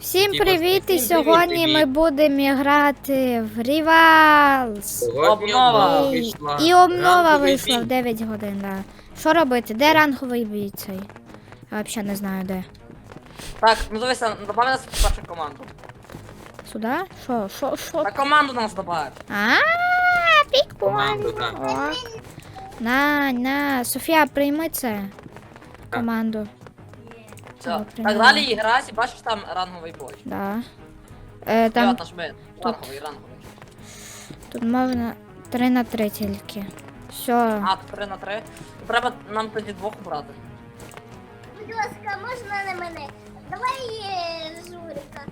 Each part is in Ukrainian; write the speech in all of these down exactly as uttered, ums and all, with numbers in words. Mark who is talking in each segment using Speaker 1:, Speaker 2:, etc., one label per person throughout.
Speaker 1: Всім
Speaker 2: Типа,
Speaker 1: привіт! І
Speaker 2: всім
Speaker 1: сьогодні
Speaker 2: привіт,
Speaker 1: ми
Speaker 2: привіт.
Speaker 1: будемо грати в Rivals.
Speaker 2: Сьогодні
Speaker 3: Обнова.
Speaker 2: обнова
Speaker 1: І,
Speaker 2: вийшла.
Speaker 1: і обнова
Speaker 2: Ранковий
Speaker 1: вийшла в
Speaker 2: бій.
Speaker 1: дев'ять годин, да. Що робити? Де ранговий бій цей? Я взагалі не знаю де.
Speaker 3: Так, ну дивися, добавь нас в першу команду.
Speaker 1: Сюди? Що? Що? Що?
Speaker 3: На команду нас добавь.
Speaker 1: А,
Speaker 2: Команду,
Speaker 1: прикольно.
Speaker 2: так.
Speaker 1: Ок. На, на, Софія, прийми це.
Speaker 2: Так.
Speaker 1: Команду.
Speaker 3: Все.
Speaker 1: Ну,
Speaker 3: Так
Speaker 1: приймаю.
Speaker 3: далі і грайся, бачиш там ранговий бой.
Speaker 1: Да. Е,
Speaker 3: Там...
Speaker 1: там
Speaker 3: нажми. Ранговий, ранговий.
Speaker 1: тут можна три на три тільки. Все.
Speaker 3: А, три на три. Треба нам тоді двох брати.
Speaker 4: Будь ласка, можна на мене? Давай е, Журика.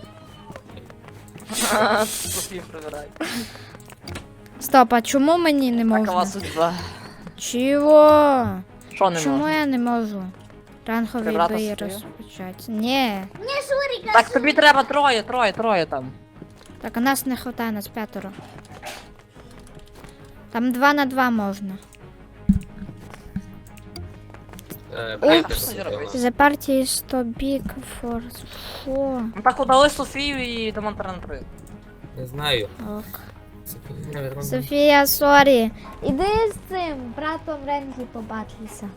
Speaker 3: Софію прибирай.
Speaker 1: Стоп, а чому мені не
Speaker 3: Такова
Speaker 1: можна?
Speaker 3: судьба.
Speaker 1: Чого?
Speaker 3: Що не
Speaker 1: Чому
Speaker 3: можна?
Speaker 1: я не можу? Ранговий
Speaker 3: Прибрати
Speaker 1: бій
Speaker 3: Софію?
Speaker 1: розпочати. Ні.
Speaker 4: Мені Журика.
Speaker 3: Так тобі треба троє, троє, троє там.
Speaker 1: Так, у нас не хватає, нас п'ятеро. Там два на два можна.
Speaker 2: Е,
Speaker 3: Упс.
Speaker 2: Брайте
Speaker 3: Що
Speaker 2: Софію.
Speaker 3: робити?
Speaker 1: The party is too big for... Що?
Speaker 3: Ну так удали Софію і дамо три на три.
Speaker 2: Не знаю.
Speaker 1: Ок.
Speaker 2: Софія, наверно,
Speaker 1: Софія, сорі. Іди з цим братом Рензі побачися.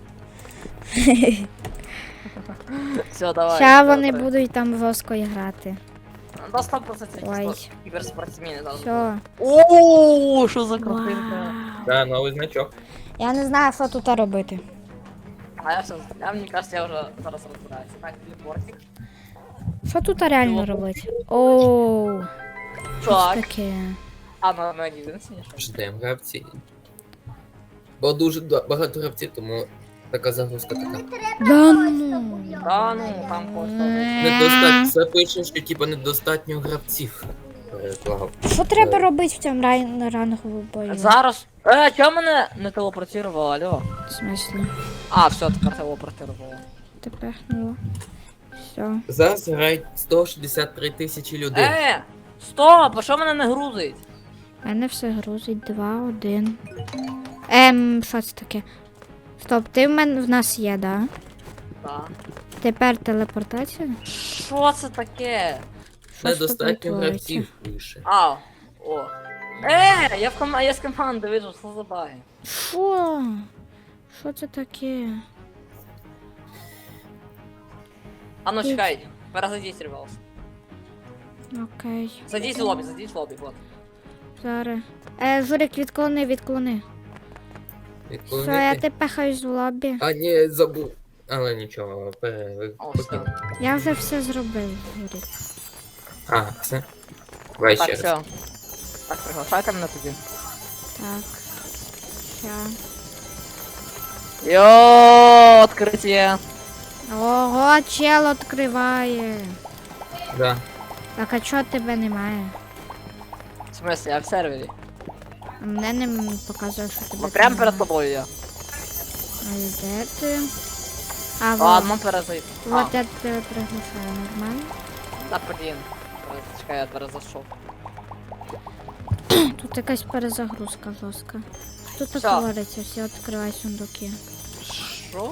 Speaker 3: Все, давай.
Speaker 1: Ща
Speaker 3: три на
Speaker 1: вони
Speaker 3: три.
Speaker 1: будуть там жорстко грати.
Speaker 3: До сто процентів
Speaker 1: Ой.
Speaker 3: кіберспортсмени зараз.
Speaker 1: Все.
Speaker 3: Ооо, що за картинка.
Speaker 1: Вау.
Speaker 2: Да, новий значок.
Speaker 1: Я не знаю, що тут робити.
Speaker 3: А я все, я, мені кажется, я вже зараз розбираюся. Так, телепортик.
Speaker 1: Що тут реально робити? Оу. Що
Speaker 3: Так.
Speaker 1: таке?
Speaker 3: А, ну, ну, не винесені, що?
Speaker 2: Ждемо гравці. Бо дуже да- багато гравців, тому така загрузка така.
Speaker 1: Да ну.
Speaker 3: Да, ну, там просто.
Speaker 2: Недостатньо. Це пише, що типу недостатньо гравців. Переклав.
Speaker 1: Що треба робити в цьому ран- ранговому бою?
Speaker 3: Зараз. Е, чого мене не телепортувало, алло?
Speaker 1: В смислі?
Speaker 3: А, все, тепер телепортувало.
Speaker 1: Тепер, ну. Все.
Speaker 2: Зараз грають сто шістдесят три тисячі людей.
Speaker 3: Е, стоп, а що мене не грузить?
Speaker 1: У мене все грузить. Два, один. Ем, що це таке? Стоп, ти в мене в нас є, да?
Speaker 3: Так.
Speaker 1: Тепер телепортація?
Speaker 3: Що це таке?
Speaker 1: Що ж тут
Speaker 2: Недостатньо
Speaker 1: відбувається?
Speaker 2: гравців пише.
Speaker 3: А, о. Е, я в ком... я з команди вижу, що за баги.
Speaker 1: Що? Що це таке?
Speaker 3: А ну чекай, перезайдіть, ревелс.
Speaker 1: Окей.
Speaker 3: Зайдіть в лобі, зайдіть в лобі, вот.
Speaker 1: Зараз. Е, Журик, відклони, відклони. Все, я
Speaker 2: Відклонити?
Speaker 1: тебе пехаюсь в лобі.
Speaker 2: А, ні, забув. Але нічого, пере...
Speaker 3: О,
Speaker 2: покинув.
Speaker 3: все.
Speaker 1: Я вже все зробив, Журик.
Speaker 2: А, все. Давай
Speaker 3: Так,
Speaker 2: ще
Speaker 3: все.
Speaker 2: раз.
Speaker 3: Так, приглашайте мене тоді.
Speaker 1: Так. Ща.
Speaker 3: Йо, відкриття.
Speaker 1: Ого, чел відкриває.
Speaker 2: Да.
Speaker 1: Так, а чого тебе немає?
Speaker 3: В смысле, я в сервері.
Speaker 1: А мене не м- показує, що тебе
Speaker 3: Ну прямо
Speaker 1: там
Speaker 3: перед
Speaker 1: немає.
Speaker 3: тобою я.
Speaker 1: А де ти? А, вот.
Speaker 3: Ладно, перезайду. А,
Speaker 1: Вот я тебе приглашаю, нормально?
Speaker 3: та блін. Чекай, я перезайшов.
Speaker 1: Тут якась перезагрузка жорстка. Що тут
Speaker 3: Всё.
Speaker 1: твориться? Всі відкривай сундуки.
Speaker 3: Що?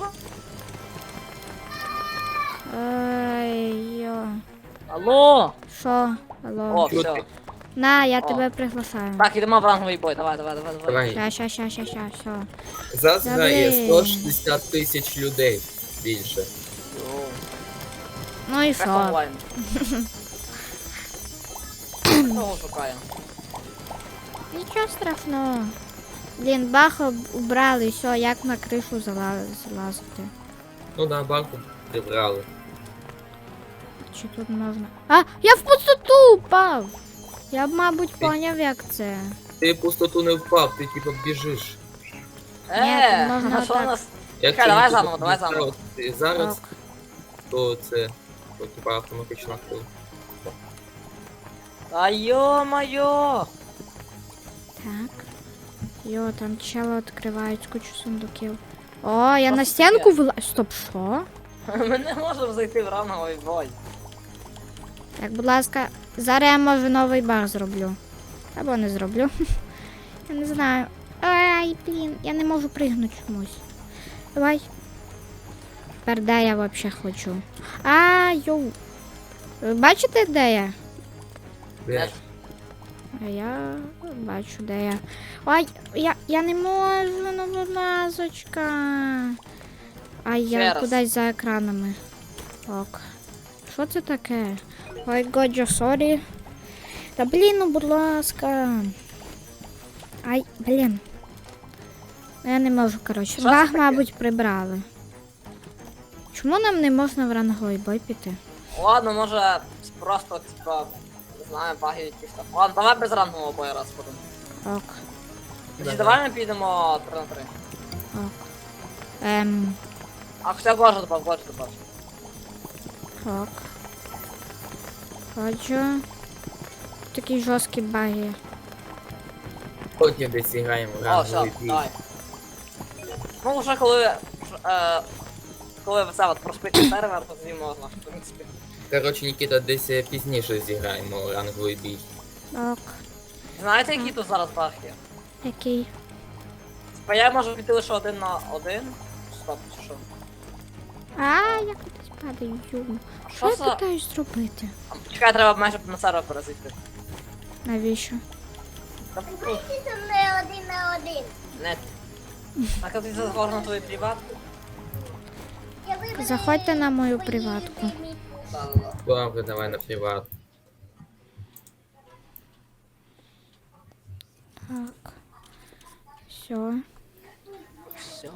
Speaker 1: Ай, йо.
Speaker 3: Алло!
Speaker 1: Що? Алло.
Speaker 3: О,
Speaker 2: Чого
Speaker 3: все.
Speaker 2: ти?
Speaker 1: На, я
Speaker 3: О.
Speaker 1: тебе приглашаю.
Speaker 3: Так, ідемо в ранговий бой, давай, давай, давай, давай.
Speaker 2: Давай.
Speaker 1: Ща, ща, ща, ща, ща, все.
Speaker 2: Зараз
Speaker 1: Та
Speaker 2: грає
Speaker 1: блін.
Speaker 2: сто шістдесят тисяч людей більше.
Speaker 3: Йоу.
Speaker 1: Ну і
Speaker 3: Прям
Speaker 1: що?
Speaker 3: онлайн. Кого шукаю?
Speaker 1: Нічого страшного. Блін, бах об- убрали, все, як на кришу зала- залазити.
Speaker 2: Ну да, банку прибрали.
Speaker 1: Чи тут можна? А, я в пустоту упав! Я б, мабуть, поняв, як це.
Speaker 2: Ти в пустоту не впав, ти типу біжиш.
Speaker 3: Е,
Speaker 1: тут можна
Speaker 3: а що у
Speaker 1: отак.
Speaker 3: нас?
Speaker 2: Якщо
Speaker 3: давай
Speaker 2: не
Speaker 3: заново,
Speaker 2: тут
Speaker 3: давай
Speaker 2: не
Speaker 3: заново.
Speaker 2: ставити зараз,
Speaker 1: Так.
Speaker 2: то це то, типа автоматична хвилина.
Speaker 3: А ё-моё!
Speaker 1: Так. Йо, там чело відкривають кучу сундуків. О, я
Speaker 3: Що
Speaker 1: на
Speaker 3: це
Speaker 1: стінку вила... Стоп, що?
Speaker 3: Ми не можемо зайти в ранговий бой.
Speaker 1: Так, будь ласка, зараз я може новий баг зроблю. Або не зроблю. Я не знаю. Ай, блін, я не можу пригнути чомусь. Давай. Тепер де я взагалі хочу? А, йоу. Ви бачите, де я?
Speaker 2: Де?
Speaker 1: А я бачу, де я. Ой, я, я не можу, ну будь ласочка. Ай,
Speaker 3: Ще
Speaker 1: я
Speaker 3: раз.
Speaker 1: кудись за екранами. Ок. Що це таке? Ой, годжо, сорі. Та блін, ну будь ласка. Ай, блін. Ну, я не можу, коротше.
Speaker 3: Що це
Speaker 1: Баг,
Speaker 3: таке?
Speaker 1: мабуть, прибрали. Чому нам не можна в ранговий бой піти?
Speaker 3: Ладно, може просто, типа, не знаю, баги якісь там. Ладно, давай без рангового бою раз будемо.
Speaker 1: Ок,
Speaker 3: Тоді давай ми підемо три на три.
Speaker 1: ок. Ем,
Speaker 3: А хоча Годжа добав, Годжа добав.
Speaker 1: ок. Ходжу. Такі жорсткі баги.
Speaker 2: Потім десь граємо в
Speaker 3: О, все,
Speaker 2: ранговий бій.
Speaker 3: давай. Ну вже коли, е, коли це от проспити сервер, то тоді можна, в принципі.
Speaker 2: Коротше, Нікіта, десь е, пізніше зіграємо в ранговий бій.
Speaker 1: Ок.
Speaker 3: Знаєте, які тут зараз баг є?
Speaker 1: Який?
Speaker 3: Типа я можу піти лише один на один. Стоп, чи що?
Speaker 1: А, я кудись падаю.
Speaker 3: А
Speaker 1: Що
Speaker 3: що
Speaker 1: я
Speaker 3: за...
Speaker 1: питаюсь зробити?
Speaker 3: А, Чекай, треба майже на сервер перезайти.
Speaker 1: Навіщо?
Speaker 3: Та тут
Speaker 4: Ти зі мною один на один.
Speaker 3: нет. Так, а ти зазвор на твою приватку?
Speaker 4: Я виберу
Speaker 1: Заходьте на мою
Speaker 4: свої
Speaker 1: приватку.
Speaker 4: любимі.
Speaker 3: Да, да, да.
Speaker 2: Добре, давай на приват.
Speaker 1: Так. Все,
Speaker 3: Все.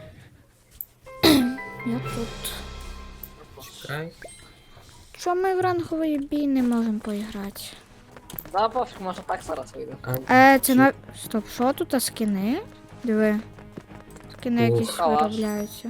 Speaker 1: я тут.
Speaker 2: Чекай.
Speaker 1: Що ми в ранговий бій не можемо поіграти?
Speaker 3: Да, пофіг, може так зараз вийде.
Speaker 2: А,
Speaker 1: Е, це на. Стоп, що тут а скини? Диви. Скини
Speaker 2: Ух.
Speaker 1: якісь
Speaker 3: Калаш.
Speaker 1: виробляються.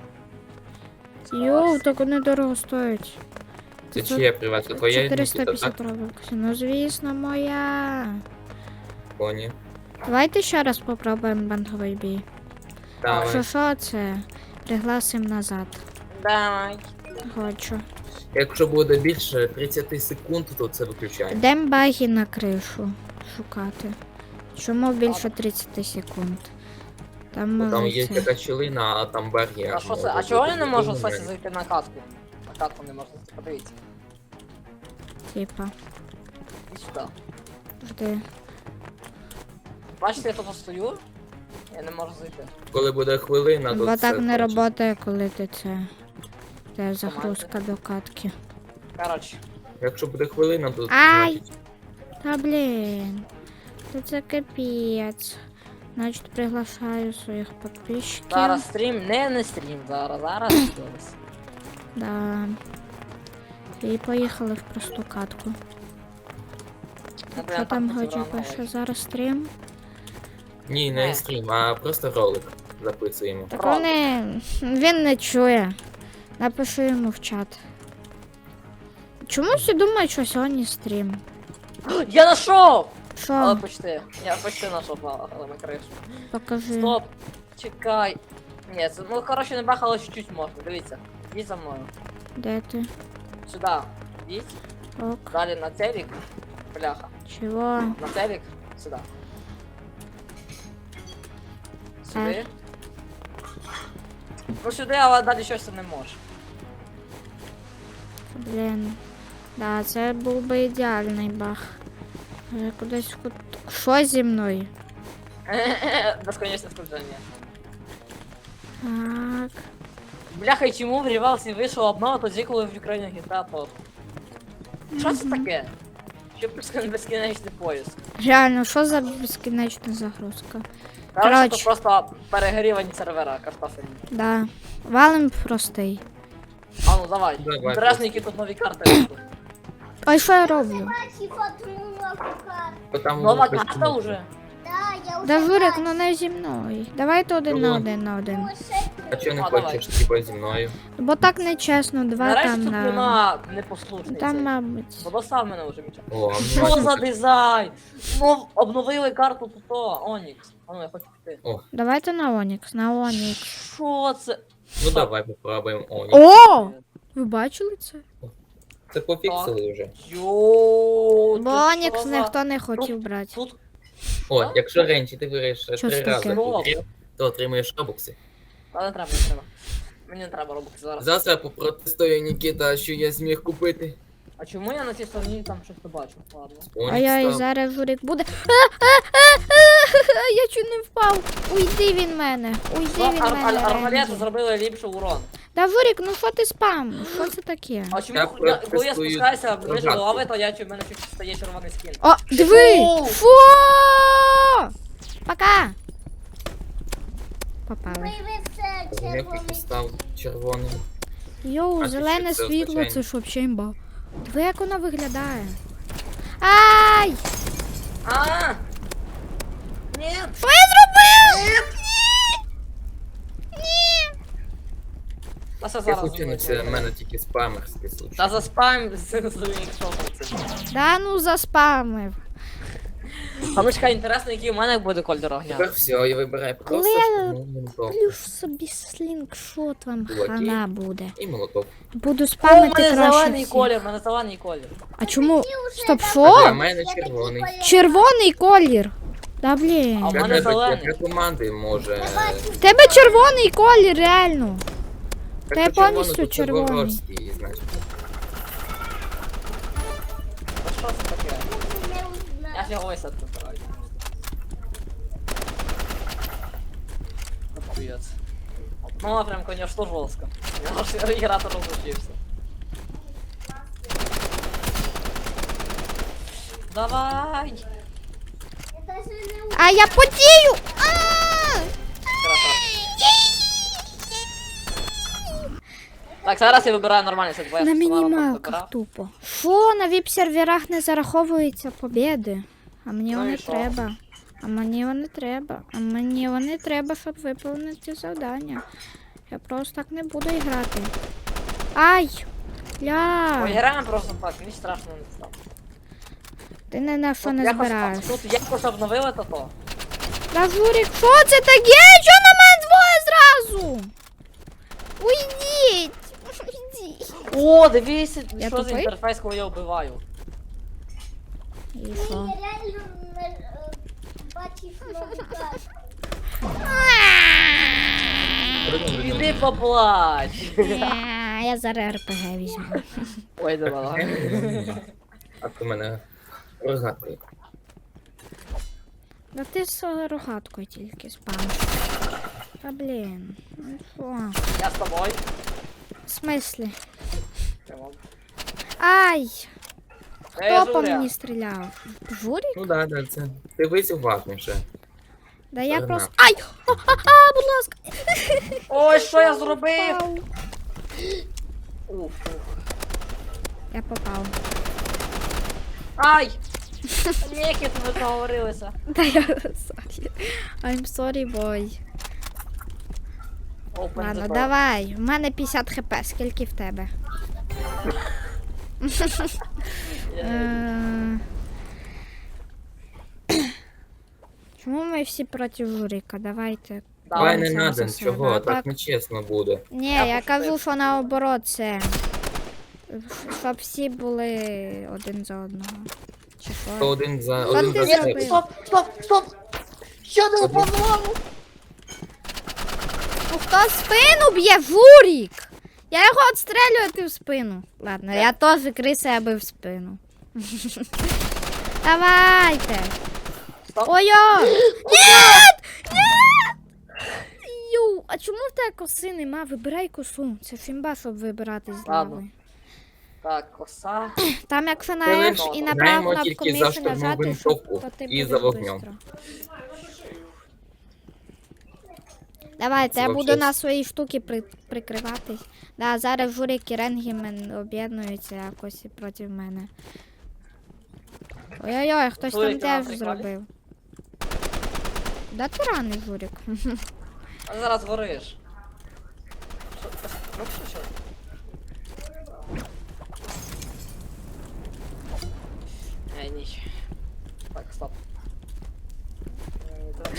Speaker 1: Йоу, так вони дорого стоять.
Speaker 2: це
Speaker 1: Це
Speaker 2: чия приватка? Твоя Нікіта,
Speaker 1: чотириста п'ятдесят
Speaker 2: так?
Speaker 1: робоксів. Ну, звісно, моя.
Speaker 2: Поні.
Speaker 1: Давайте ще раз попробуємо ранговий бій.
Speaker 2: Давай.
Speaker 1: Що що це? Пригласим назад.
Speaker 3: Давай.
Speaker 1: Хочу.
Speaker 2: Якщо буде більше тридцять секунд, то це виключаємо.
Speaker 1: Йдемо баги на кришу шукати. Чому більше тридцять секунд? Там
Speaker 2: Бо Там є
Speaker 1: може це.
Speaker 2: така щілина, а там бар'єр.
Speaker 3: А що це?
Speaker 2: може
Speaker 3: А чого
Speaker 2: бути.
Speaker 3: я не можу,
Speaker 2: Ну,
Speaker 3: кстати, зайти на катку? На катку не можна зайти, подивіться.
Speaker 1: Типа,
Speaker 3: І сюди.
Speaker 1: жди.
Speaker 3: Бачите, я тут стою? Я не можу зайти.
Speaker 2: Коли буде хвилина, то
Speaker 1: Бо
Speaker 2: це
Speaker 1: так не
Speaker 2: кончиться.
Speaker 1: працює, коли ти це. Це загрузка до катки.
Speaker 3: Коротше.
Speaker 2: Якщо буде хвилина, то
Speaker 1: Ай!
Speaker 2: значить,
Speaker 1: Та блін. Та це капець. Значить, приглашаю своїх підписчиків.
Speaker 3: Зараз стрім, не не стрім, зараз, зараз щось.
Speaker 1: Да. І поїхали в просту катку.
Speaker 3: Ну,
Speaker 1: Що
Speaker 3: блін,
Speaker 1: там
Speaker 3: так
Speaker 1: Годжо
Speaker 3: розібрано,
Speaker 1: пише?
Speaker 3: але-
Speaker 1: Зараз стрім.
Speaker 2: ні,
Speaker 3: Не.
Speaker 2: не стрім, а просто ролик записуємо.
Speaker 1: Так
Speaker 3: Правда.
Speaker 1: вони. Він не чує. Напишу йому в чат. Чому всі думають, що сьогодні стрім?
Speaker 3: Я знайшов! Але
Speaker 1: Що?
Speaker 3: почти. Я почти знайшов, але але на кришу.
Speaker 1: Покажи.
Speaker 3: Стоп! Чекай. Ні, це, ну коротше не бах, але чуть-чуть можна. Дивіться. Йдіть за мною.
Speaker 1: Де ти?
Speaker 3: Сюди. Йдіть.
Speaker 1: Ок.
Speaker 3: Далі на телек. Бляха.
Speaker 1: Чого?
Speaker 3: На телек. Сюди. Сюди. Ну сюди, але далі щось ти не можеш.
Speaker 1: Блін. Да, це був би ідеальний баг. Я кудись в кут... Що зі мною?
Speaker 3: Безконечне скрудження.
Speaker 1: Так.
Speaker 3: Бляха, і чому в Рівалсі вийшов обнова тоді, коли в Україні гіта топ? Що це таке? Що безкон- безкінечний поїзд?
Speaker 1: Реально, що за безкінечна загрузка?
Speaker 3: Короче,
Speaker 1: Коротше.
Speaker 3: це просто перегрівані сервера картофельні.
Speaker 1: Да. Валим простий.
Speaker 3: А ну давай.
Speaker 2: Давай,
Speaker 3: Інтересно,
Speaker 2: просто.
Speaker 3: які тут нові карти вийшли.
Speaker 1: Ой, що я роблю?
Speaker 4: Бачив одну нову карту.
Speaker 2: Бо там
Speaker 3: Нова
Speaker 2: воно
Speaker 3: карта
Speaker 2: постійно-
Speaker 3: вже.
Speaker 4: Да, я вже
Speaker 1: Да Журик,
Speaker 4: бачу.
Speaker 1: ну не зі мною. Давайте один на
Speaker 2: Чого?
Speaker 1: один на один.
Speaker 4: Ну, ще
Speaker 2: А чого не
Speaker 3: А, давай.
Speaker 2: хочеш, типа зі мною?
Speaker 1: Бо так нечесно, два
Speaker 3: Нарешті
Speaker 1: там
Speaker 3: тут
Speaker 1: на.
Speaker 3: нема непослушниці.
Speaker 1: Там, мабуть.
Speaker 3: Подостав мене вже Міча.
Speaker 2: О, а
Speaker 3: Що
Speaker 2: ну,
Speaker 3: за дизайн? Ну, обновили карту тут то, Онікс. А ну я хочу піти.
Speaker 1: Давайте на Онікс, на Онікс.
Speaker 3: Що це?
Speaker 2: ну давай попробуємо. О, ні.
Speaker 1: О! Ви бачили це?
Speaker 2: Це пофіксили вже.
Speaker 3: Йоу,
Speaker 1: Бо
Speaker 3: ти
Speaker 1: Онікс
Speaker 3: що за-
Speaker 1: ніхто не хотів брати.
Speaker 3: Тут
Speaker 2: О, якщо ренчі ти виграєш
Speaker 1: Що
Speaker 2: три
Speaker 1: це
Speaker 2: рази,
Speaker 1: таке?
Speaker 2: подряд, то отримаєш робокси.
Speaker 3: А не треба, не треба. Мені не треба робити зараз.
Speaker 2: Завтра попротестує Нікіта, що я зміг купити.
Speaker 3: А чому я на цій стороні там щось не бачу? Ладно.
Speaker 1: А я і
Speaker 2: Onyx став.
Speaker 1: зараз журик буде. А, а, а, а, я чуть не впав. Уйди від мене. Уйди
Speaker 3: Ну,
Speaker 1: від
Speaker 3: ар-
Speaker 1: мене.
Speaker 3: ар- арбалети
Speaker 1: Рензі.
Speaker 3: зробили ліпший урон.
Speaker 1: Да, Журик, ну що ти спам? Що це таке?
Speaker 3: А чому,
Speaker 2: Я
Speaker 3: я- коли я
Speaker 2: протестую
Speaker 3: спускаюся ближче до
Speaker 2: рогатку.
Speaker 3: лави, то я чу- в мене чуть стає червоний скін.
Speaker 1: О, диви!
Speaker 3: Фу!
Speaker 1: Фу! Пока! Попали.
Speaker 4: Виявився
Speaker 2: Грифік
Speaker 4: червоний.
Speaker 2: став червоним.
Speaker 1: Йоу,
Speaker 2: А
Speaker 1: зелене
Speaker 2: що це
Speaker 1: світло,
Speaker 2: означає?
Speaker 1: це що, чимба? Диви, як воно виглядає. Ай!
Speaker 3: А! Ні!
Speaker 1: Що я зробив? Ні! Ні!
Speaker 3: Та це
Speaker 2: Я
Speaker 3: зараз.
Speaker 2: случайно, це в мене тільки спамерський случай.
Speaker 3: Та за спам з якщо це.
Speaker 1: Да ну заспамив.
Speaker 3: А ну чекай, інтересно, який у мене буде колір огня.
Speaker 2: Тепер все, я вибираю
Speaker 1: Коли
Speaker 2: просто
Speaker 1: я
Speaker 2: штурмову винтовку
Speaker 1: Плюш собі слінгшот вам
Speaker 2: Кулаки.
Speaker 1: хана буде.
Speaker 2: і молоток.
Speaker 1: Буду
Speaker 3: О, у
Speaker 1: спамити
Speaker 3: мене
Speaker 1: краще
Speaker 3: зелений
Speaker 1: всіх.
Speaker 3: колір, у мене зелений колір.
Speaker 1: А чому? Стоп,
Speaker 2: А
Speaker 1: що?
Speaker 2: для мене червоний.
Speaker 1: Червоний колір. Да блін.
Speaker 3: А в
Speaker 2: Для
Speaker 3: мене
Speaker 2: тебе-
Speaker 3: зелений.
Speaker 2: для команди може...
Speaker 1: В тебе червоний колір, реально.
Speaker 2: Так,
Speaker 1: Та я
Speaker 2: то червоно,
Speaker 1: повністю
Speaker 2: то це
Speaker 1: червоний.
Speaker 2: ворожський, значить.
Speaker 3: А що це таке?
Speaker 4: Не
Speaker 3: Я
Speaker 4: узнав.
Speaker 3: фіговся тут збираю. Охуєць. Ну, а прям, конечно, жорстко. Я аж іграти розучився. Давай!
Speaker 4: Я даже не узнав.
Speaker 1: А я потію! А!
Speaker 3: Красавчик. Так, зараз я вибираю нормальний сет, бо я
Speaker 1: На
Speaker 3: з Соланом
Speaker 1: мінімалках
Speaker 3: вибирав.
Speaker 1: тупо. Що, на віп-серверах не зараховуються побіди? А мені
Speaker 3: Ну і
Speaker 1: вони
Speaker 3: що?
Speaker 1: треба. А мені вони треба. А мені вони треба, щоб виповнити завдання. Я просто так не буду грати. Ай! Ля!
Speaker 3: Поіграємо просто так, мені страшно не стало.
Speaker 1: Ти не на що
Speaker 3: Тут
Speaker 1: не
Speaker 3: якось-
Speaker 1: збираєш.
Speaker 3: Тут якось обновили то то.
Speaker 1: Та Журік, що це таке? Що на мене двоє зразу? Уйдіть! Уйдіть!
Speaker 3: О, дивіться,
Speaker 1: Я
Speaker 3: що за
Speaker 1: тупий?
Speaker 3: інтерфейс, коли я вбиваю.
Speaker 1: І
Speaker 4: Ти
Speaker 1: що?
Speaker 4: реально не, е, бачиш навігатор.
Speaker 3: Іди поплач.
Speaker 1: Е, Я зараз РПГ візьму.
Speaker 3: Ой, давай.
Speaker 2: А то мене рогатий.
Speaker 1: Да ти з рогаткою тільки спамиш. Та блін. Ну що?
Speaker 3: Я з тобою.
Speaker 1: В смислі?
Speaker 3: Прямо.
Speaker 1: Ай!
Speaker 3: Е,
Speaker 1: Хто по
Speaker 3: Журя.
Speaker 1: мені стріляв? Журік?
Speaker 2: Ну да, да, це. Дивись уважніше.
Speaker 1: Да я
Speaker 2: Ага.
Speaker 1: просто. Ай! А, будь ласка!
Speaker 3: Ой, що я зробив?
Speaker 1: Попав.
Speaker 3: Уф, уф.
Speaker 1: Я попав.
Speaker 3: Ай! Ніки, ми договорилися.
Speaker 1: Да я sorry. I'm sorry, boy.
Speaker 3: Open
Speaker 1: Ладно,
Speaker 3: the door.
Speaker 1: давай. У мене п'ятдесят хп, скільки в тебе?
Speaker 3: Е,
Speaker 1: Е, Чому ми всі проти Журика? Давайте.
Speaker 2: Давай не
Speaker 1: боремося
Speaker 2: надо
Speaker 1: за
Speaker 2: нічого,
Speaker 1: себе.
Speaker 2: так нечесно буде.
Speaker 1: Ні,
Speaker 3: Я
Speaker 1: я
Speaker 3: пошутив.
Speaker 1: кажу, що наоборот це. Щоб всі були один за одного. Чи
Speaker 2: То
Speaker 1: що?
Speaker 2: один за
Speaker 1: Що
Speaker 2: один
Speaker 1: ти
Speaker 2: за
Speaker 1: зробив?
Speaker 2: себе.
Speaker 3: Стоп, стоп, стоп! Що ти
Speaker 2: Один.
Speaker 3: упав?
Speaker 1: Ну хто спину б'є? Журік! Я його відстрелюю, а ти в спину. Ладно, я теж криса, я бив в спину. Давайте.
Speaker 3: Стоп.
Speaker 1: Ой-ой! Нет! Нет! Ю, а чому в тебе коси нема? Вибирай косу. Це фімба, щоб вибирати з
Speaker 3: Ладно.
Speaker 1: лави.
Speaker 3: Так, коса.
Speaker 1: Там якщо на F і на праву
Speaker 2: Знаємо
Speaker 1: кнопку
Speaker 2: тільки за
Speaker 1: миші
Speaker 2: штурмову
Speaker 1: нажати,
Speaker 2: винтовку
Speaker 1: то ти
Speaker 2: і
Speaker 1: будеш
Speaker 2: за вогнем.
Speaker 1: бистро. Давайте,
Speaker 2: Це
Speaker 1: я буду
Speaker 2: вообще-
Speaker 1: на свої штуки при, прикриватись. Да, зараз Журик і Ренгімен об'єднуються якось і проти мене. Ой-ой-ой, хтось там
Speaker 3: Журик, ти на
Speaker 1: теж
Speaker 3: приколі?
Speaker 1: зробив. Да ти раний, Журик.
Speaker 3: А зараз гориш. Що, ну що, що? Ей, ніч. Так, стоп. Е, так.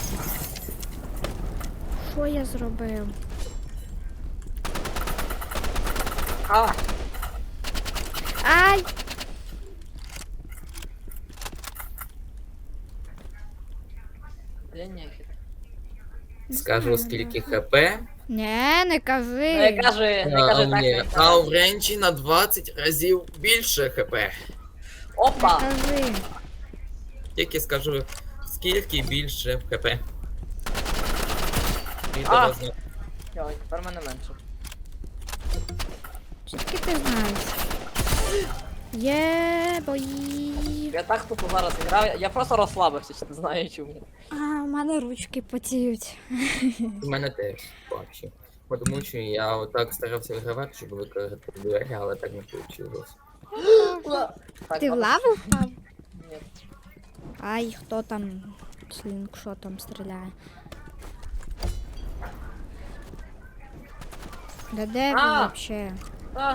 Speaker 1: Що я зробив?
Speaker 3: А,
Speaker 1: Ай!
Speaker 3: блін, нехід.
Speaker 1: Не
Speaker 2: Скажу
Speaker 1: знаю,
Speaker 2: скільки
Speaker 1: да.
Speaker 2: хп,
Speaker 1: Не, не кажи.
Speaker 3: Не кажи, не
Speaker 2: А,
Speaker 3: кажи
Speaker 2: у
Speaker 3: так.
Speaker 2: ні.
Speaker 3: не
Speaker 2: а
Speaker 3: кажи.
Speaker 2: у Ренчі на двадцять разів більше хп.
Speaker 1: Не
Speaker 3: Опа!
Speaker 1: кажи.
Speaker 2: Тільки скажу, скільки більше хп. І
Speaker 3: А.
Speaker 2: того зна-
Speaker 3: Йой, тепер мене менше.
Speaker 1: Звідки ти знаєш? Є, бої.
Speaker 3: Я так тупо зараз грав, я просто розслабився, чи не знаю чому.
Speaker 1: А, у мене ручки потіють.
Speaker 2: У мене теж вообще. Бо Тому що я отак старався вигравати, щоб викрити двері, але так не вийшло.
Speaker 3: Так,
Speaker 1: Ти в
Speaker 3: ладно.
Speaker 1: лаву впав?
Speaker 3: Ні.
Speaker 1: Ай, хто там слінгшотом стріляє? Да де ви
Speaker 3: А!
Speaker 1: вообще?
Speaker 3: А.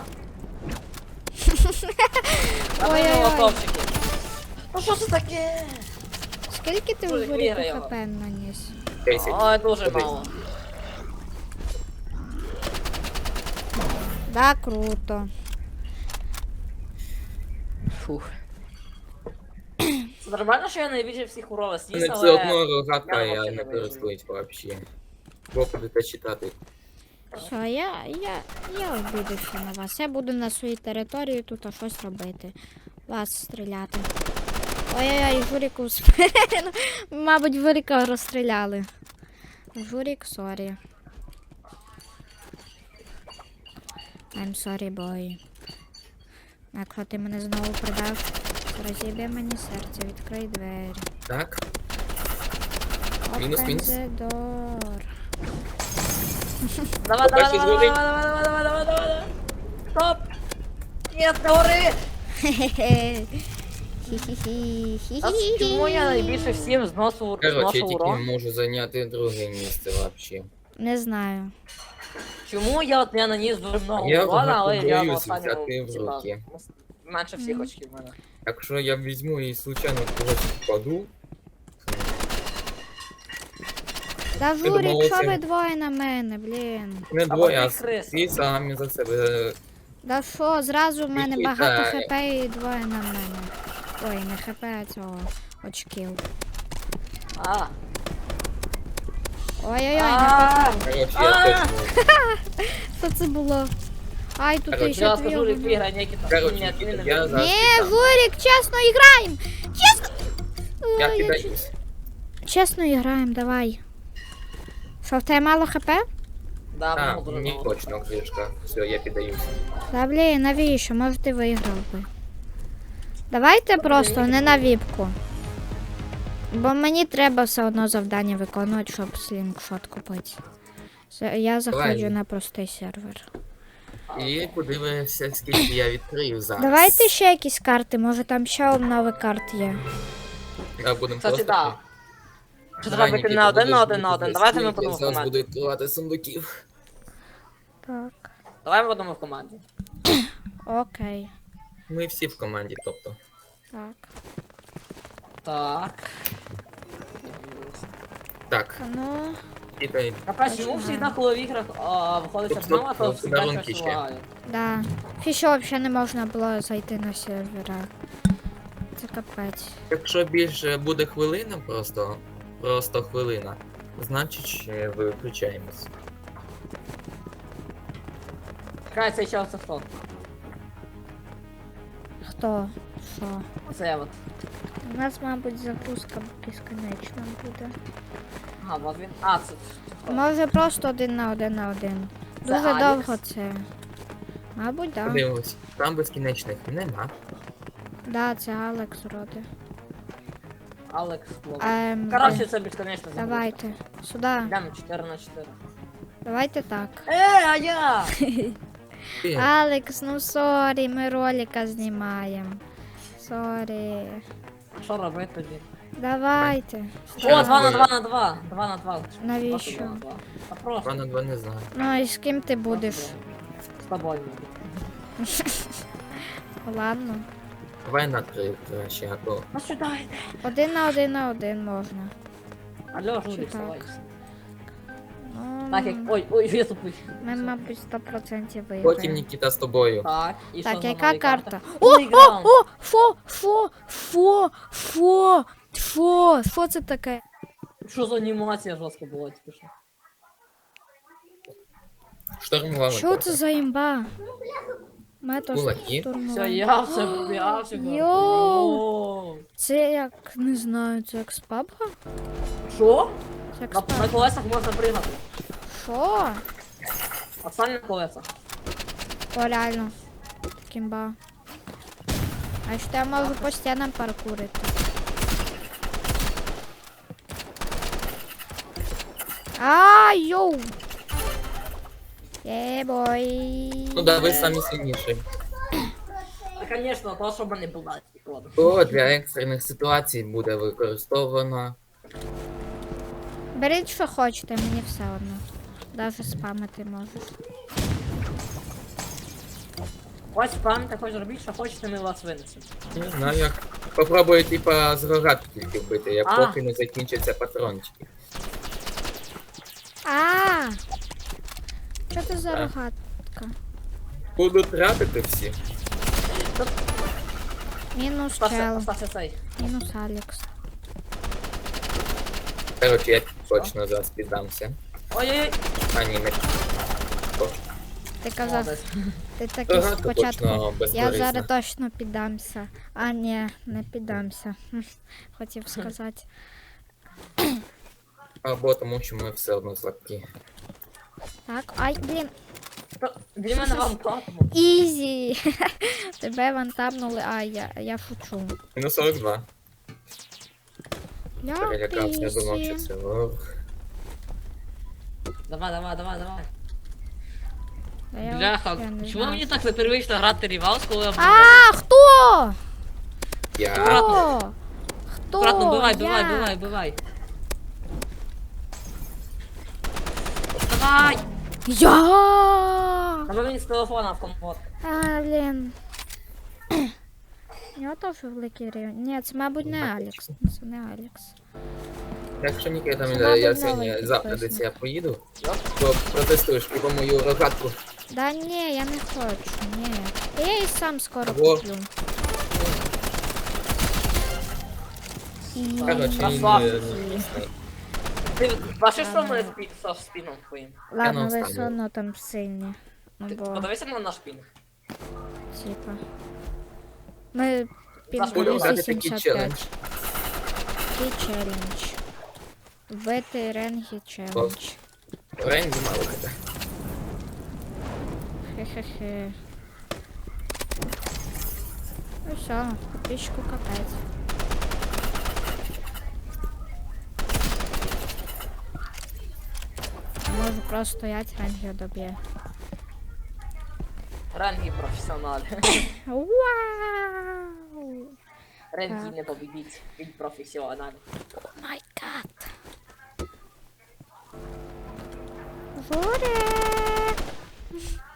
Speaker 1: Ой-ой-ой.
Speaker 3: Ой-ой-ой. Молотовчики. Ну що це таке?
Speaker 1: Скільки ти
Speaker 3: Жулик,
Speaker 1: в Журіку
Speaker 3: виграй його.
Speaker 1: хп наніс?
Speaker 2: десять.
Speaker 3: Ой, дуже
Speaker 2: Один.
Speaker 3: мало.
Speaker 1: Да, круто.
Speaker 3: Фух. Це нормально, що я найбільше всіх урова сніс,
Speaker 2: Мене
Speaker 3: але...
Speaker 2: все одно рогатка,
Speaker 3: я
Speaker 2: я
Speaker 3: вообще
Speaker 2: не
Speaker 3: не вижу.
Speaker 2: користуюсь вообще. Бо будете читати.
Speaker 1: Все, я, я, я обідуся на вас. Я буду на своїй території тут а щось робити. Вас стріляти. Ой-ой-ой, Журіку в спину. Мабуть, Журіка розстріляли. Журік, сорі. I'm sorry, boy. Якщо ти мене знову придав, розіб'є мені серце, відкрий двері.
Speaker 2: Так? Мінус,
Speaker 1: Open
Speaker 2: мінус.
Speaker 1: the door.
Speaker 3: Давай, давай,
Speaker 2: Перший
Speaker 3: давай,
Speaker 2: зловий.
Speaker 3: давай, давай, давай, давай, давай, давай. Стоп! Нет, не гори!
Speaker 1: Хе-хе.
Speaker 3: А чому я найбільше всім зносу,
Speaker 2: Короче, я
Speaker 3: зношу
Speaker 2: тільки
Speaker 3: урон?
Speaker 2: можу зайняти друге місце вообще.
Speaker 1: Не знаю.
Speaker 3: Чому я от я наніс дуже много
Speaker 2: Я
Speaker 3: урона, але я на
Speaker 2: боюсь
Speaker 3: останньому,
Speaker 2: взяти в
Speaker 3: типа,
Speaker 2: руки.
Speaker 3: менше всіх
Speaker 1: Мгм.
Speaker 3: очків в мене.
Speaker 2: Якщо я візьму і случайно в когось впаду,
Speaker 1: Та
Speaker 2: думала,
Speaker 1: Журік, що
Speaker 2: це-
Speaker 1: ви двоє на мене, блін.
Speaker 2: не
Speaker 3: А
Speaker 2: двоє, а
Speaker 3: вони криси.
Speaker 2: всі самі за себе.
Speaker 1: Да що, зразу в мене
Speaker 2: Вітаю.
Speaker 1: багато хп і двоє на мене. Ой, не хп, а цього очків.
Speaker 3: А,
Speaker 1: Ой-ой-ой, не
Speaker 3: а,
Speaker 1: хп.
Speaker 2: Короче,
Speaker 3: А!
Speaker 2: я точно.
Speaker 1: Що це було? Ай, тут
Speaker 2: Короче,
Speaker 1: ще
Speaker 3: я
Speaker 1: дві.
Speaker 3: скажу,
Speaker 1: огні.
Speaker 3: виграй Нікіта.
Speaker 2: Короче,
Speaker 3: Ні,
Speaker 2: Нікіта,
Speaker 3: він не
Speaker 2: я
Speaker 3: виграє.
Speaker 2: за-
Speaker 1: Ні, Журік, чесно іграємо! Чесно!
Speaker 2: Я
Speaker 1: Ой,
Speaker 2: кидаюсь.
Speaker 1: Чесно іграємо, давай. Що, в тебе мало хп?
Speaker 3: Да,
Speaker 2: А,
Speaker 3: мало дуже
Speaker 2: мені
Speaker 3: мало.
Speaker 2: точно кришка. Все, я піддаюсь.
Speaker 1: Та блін, навіщо? Може ти виграв би. Давайте просто не на віпку. Бо мені треба все одно завдання виконувати, щоб слінгшот купити. Це- Я заходжу
Speaker 2: Давай.
Speaker 1: на простий сервер.
Speaker 2: І подивимося, скільки я відкрию зараз.
Speaker 1: Давайте ще якісь карти, може там ще нові карти є.
Speaker 2: Я будемо
Speaker 3: Кстати,
Speaker 2: просто...
Speaker 3: да. Що
Speaker 2: Давай,
Speaker 3: треба бити
Speaker 2: Нікіта,
Speaker 3: на один,
Speaker 2: будеш
Speaker 3: на один, на
Speaker 2: бути
Speaker 3: один.
Speaker 2: за
Speaker 3: Давайте ми
Speaker 2: стільки,
Speaker 3: будемо в
Speaker 2: зараз
Speaker 3: команді.
Speaker 2: буду відкривати сундуків.
Speaker 1: Так.
Speaker 3: Давай ми будемо в команді.
Speaker 1: Окей.
Speaker 2: Ми всі в команді, тобто.
Speaker 1: Так.
Speaker 3: Так.
Speaker 2: Так,
Speaker 1: Ну.
Speaker 2: Китай.
Speaker 3: Капець, чому всегда, коли в іграх а, виходить
Speaker 2: Стоп,
Speaker 3: обнова,
Speaker 2: стоп,
Speaker 3: то
Speaker 2: стоп,
Speaker 3: всегда
Speaker 2: подарунки
Speaker 3: щось
Speaker 2: ще.
Speaker 3: лагає.
Speaker 1: Да. Фіше взагалі не можна було зайти на сервера. Це капець.
Speaker 2: Якщо більше буде хвилина просто, просто хвилина, значить ще виключаємось.
Speaker 3: Чекай, цей час це хто?
Speaker 1: Хто? Що?
Speaker 3: Це от.
Speaker 1: У нас, мабуть, загрузка безконечна буде.
Speaker 3: Ага, от він. А, це хто?
Speaker 1: Може просто один на один на один.
Speaker 3: Це
Speaker 1: Дуже
Speaker 3: Алекс?
Speaker 1: довго це. Мабуть, так. Да.
Speaker 2: Подивимось, там безкінечних нема.
Speaker 1: Да, це Алекс вроде.
Speaker 3: Алекс Клоун.
Speaker 1: Ем,
Speaker 3: Коротше, це безконечно забув.
Speaker 1: давайте. Сюди.
Speaker 3: Йдемо чотири на чотири.
Speaker 1: Давайте так.
Speaker 3: Е, а я!
Speaker 2: Ти,
Speaker 1: Алекс, ну сорі, ми ролика знімаємо. Сорі.
Speaker 3: А що робити тоді?
Speaker 1: Давайте.
Speaker 3: О, два на два на два. Два на два.
Speaker 1: Навіщо?
Speaker 3: Просто два на два. А просто.
Speaker 2: два на два не знаю.
Speaker 1: Ну і з ким ти будеш?
Speaker 3: З тобою.
Speaker 1: Ладно.
Speaker 2: Давай на три краще, а то
Speaker 3: Ну сюди йде.
Speaker 1: Один на один на один можна.
Speaker 3: Алло,
Speaker 1: Чи
Speaker 3: Жулік,
Speaker 1: так?
Speaker 3: вставай.
Speaker 1: Ну,
Speaker 3: Так, як... Ой, ой, я тупий.
Speaker 1: ми, мабуть, сто процентів
Speaker 2: потім
Speaker 1: виграємо.
Speaker 2: Нікіта з тобою.
Speaker 3: Так, і що
Speaker 1: Так,
Speaker 3: за
Speaker 1: яка
Speaker 3: нові
Speaker 1: карта?
Speaker 3: карти?
Speaker 1: О,
Speaker 3: Новий
Speaker 1: о,
Speaker 3: граунд.
Speaker 1: о, фо, фо, фо, фо, фо, що це таке?
Speaker 3: Що за анімація жорстка була тільки що?
Speaker 2: Штурмували.
Speaker 1: Що це за імба? Метод
Speaker 2: Кулаки.
Speaker 3: Все,
Speaker 1: штурмування.
Speaker 3: я все, я все.
Speaker 1: Йоу.
Speaker 3: Йоу.
Speaker 1: Це як, не знаю, це як з пабга?
Speaker 3: Що?
Speaker 1: Це як з
Speaker 3: На, на
Speaker 1: пабга.
Speaker 3: колесах можна пригати.
Speaker 1: Що?
Speaker 3: Пацан на колесах.
Speaker 1: О, реально. Кімба. А що я можу по стінам паркурити? А, йоу! Єбой.
Speaker 2: Ну да, ви самі сильніші.
Speaker 3: Та, звісно, то, щоб не було.
Speaker 2: То для екстрених ситуацій буде використовано.
Speaker 1: Беріть, що хочете, мені все одно. Даже спамити можеш.
Speaker 3: Ось пан, ти хочеш робити, що хочете, ми вас винесемо.
Speaker 2: Не знаю як. Попробую типа з рогатки тільки вбити, як
Speaker 3: А.
Speaker 2: поки не закінчаться патрончики.
Speaker 1: А! Що це за
Speaker 2: Так.
Speaker 1: рогатка?
Speaker 2: Буду тратити всі.
Speaker 1: Мінус
Speaker 3: Остався,
Speaker 1: чел.
Speaker 3: остався цей.
Speaker 1: Мінус Алекс.
Speaker 2: Короче, я точно зараз піддамся.
Speaker 3: Ой-ой-ой.
Speaker 2: А ні, не. О,
Speaker 1: Ти казав,
Speaker 3: Молодець.
Speaker 1: ти такий
Speaker 2: Рогатка
Speaker 1: спочатку.
Speaker 2: точно
Speaker 1: Я
Speaker 2: безкорисна.
Speaker 1: зараз точно піддамся. А, ні, не піддамся. Хм, хотів сказати.
Speaker 2: Або тому, що ми все одно слабкі.
Speaker 1: Так, ай, блін.
Speaker 3: Та, Для мене вам платимо.
Speaker 1: Ізі! Тебе вантапнули, а я, я шучу.
Speaker 2: Мінус сорок два.
Speaker 1: Я
Speaker 2: Перелякався, я думав,
Speaker 1: ізі.
Speaker 2: що це ох.
Speaker 3: Давай, давай, давай, давай.
Speaker 1: Та я
Speaker 3: Бляха,
Speaker 1: взагалі не
Speaker 3: чому
Speaker 1: знаю.
Speaker 3: мені так непривично грати Рівалс, коли я буду?
Speaker 1: А, хто?
Speaker 2: Я.
Speaker 1: Хто? Хто?
Speaker 3: Аккуратно, бивай, бивай,
Speaker 1: Я?
Speaker 3: бивай, бивай. Давай!
Speaker 1: Я!
Speaker 3: Треба мені з телефона в компот.
Speaker 1: А, блін. Я теж великий рівень. Ні, це, мабуть, не Алекс. Це не Алекс.
Speaker 2: Якщо Ніки там
Speaker 1: Це,
Speaker 2: іде,
Speaker 1: мабуть,
Speaker 2: я
Speaker 1: новий
Speaker 2: сьогодні завтра
Speaker 1: підписник.
Speaker 2: десь я поїду, то протестуєш типу мою рогатку.
Speaker 1: Да ні, я не хочу, ні. Та я і сам скоро
Speaker 2: Во.
Speaker 1: куплю. І...
Speaker 2: Короче,
Speaker 3: Красавчик.
Speaker 2: не- не-
Speaker 3: Ти бачиш, що ми спі- со спіном твоїм?
Speaker 1: Ладно,
Speaker 2: Я
Speaker 1: ви
Speaker 2: не
Speaker 1: все
Speaker 2: встану.
Speaker 1: одно там сильні. Ну,
Speaker 3: Ти
Speaker 1: бо,
Speaker 3: подивися на наш пінг.
Speaker 1: типа. Ми
Speaker 3: Будемо
Speaker 2: Буду
Speaker 1: пінг
Speaker 2: грати такий
Speaker 1: вісімдесят
Speaker 2: челендж.
Speaker 1: п'ять. Такий челендж. Вбити ренгі челендж.
Speaker 2: Рейн мало буде.
Speaker 1: Хе-хе-хе. Ну все, підписчику капець. Можу просто стоять, ренгі доб'є.
Speaker 3: Ренгі професіонал.
Speaker 1: Вау!
Speaker 3: Ренгі
Speaker 1: Так.
Speaker 3: не побідіть. Він професіонал.
Speaker 1: О май гад! Журе!